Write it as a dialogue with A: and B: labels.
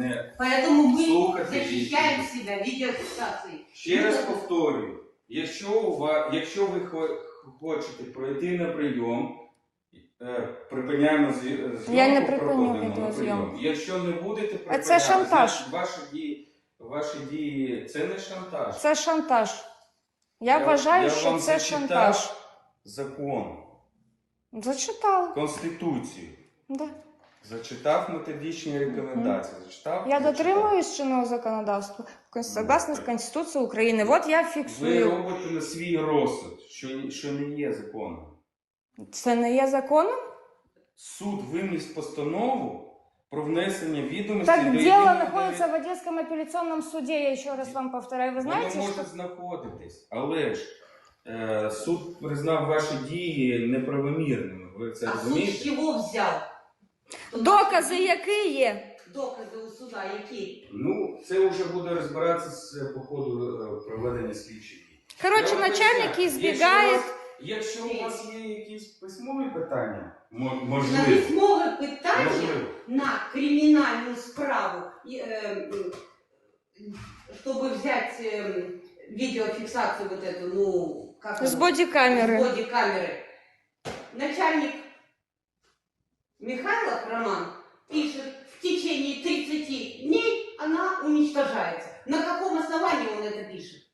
A: не
B: Поэтому мы
A: слухати.
B: защищаем себя видеофиксацией.
A: Ще раз повторюю, якщо ви хочете пройти на прийом, припиняємо зйомку,
C: Я не припиню
A: проходимо на
C: відеозйомку.
A: прийом. Якщо не будете припиняти,
C: це шантаж.
A: значить, ваші дії, це не шантаж.
C: Це шантаж. Я вважаю, що
A: вам
C: це
A: зачитав
C: шантаж.
A: закон,
C: Зачитала.
A: Конституцію,
C: Да.
A: зачитав методичні рекомендації, зачитав.
C: Я
A: зачитав.
C: дотримуюсь чинного законодавства, согласно з Конституцією України. Вот я
A: Ви
C: фіксую.
A: робите на свій розсуд, що не є законом.
C: Це не є законом?
A: Суд виніс постанову про внесення відомостей
C: Так
A: до
C: дело
A: єдиного
C: находится в Одесском апелляционном суде, я еще раз вам повторяю. Вы знаете,
A: Воно
C: что...
A: може знаходитись, але ж суд признав ваші дії неправомірними. Ви це
B: А суд
A: розумієте?
B: с чего взял?
C: Докази які є?
B: Докази у суда які?
A: Ну, це вже буде розбиратися по ходу проведення слідчих дій.
C: Короче,
A: Я вам
C: начальник
A: поясню,
C: избегает...
A: Якщо у вас є якісь письмові питання,
B: На
A: можливо,
B: письмове питання
A: можливо.
B: на криминальную справу, чтобы взять видеофиксацию вот эту, ну, как
C: С
B: она?
C: бодикамеры.
B: С бодикамеры. Начальник Михайлов Роман пишет, в течение 30 дней она уничтожается. На каком основании он это пишет?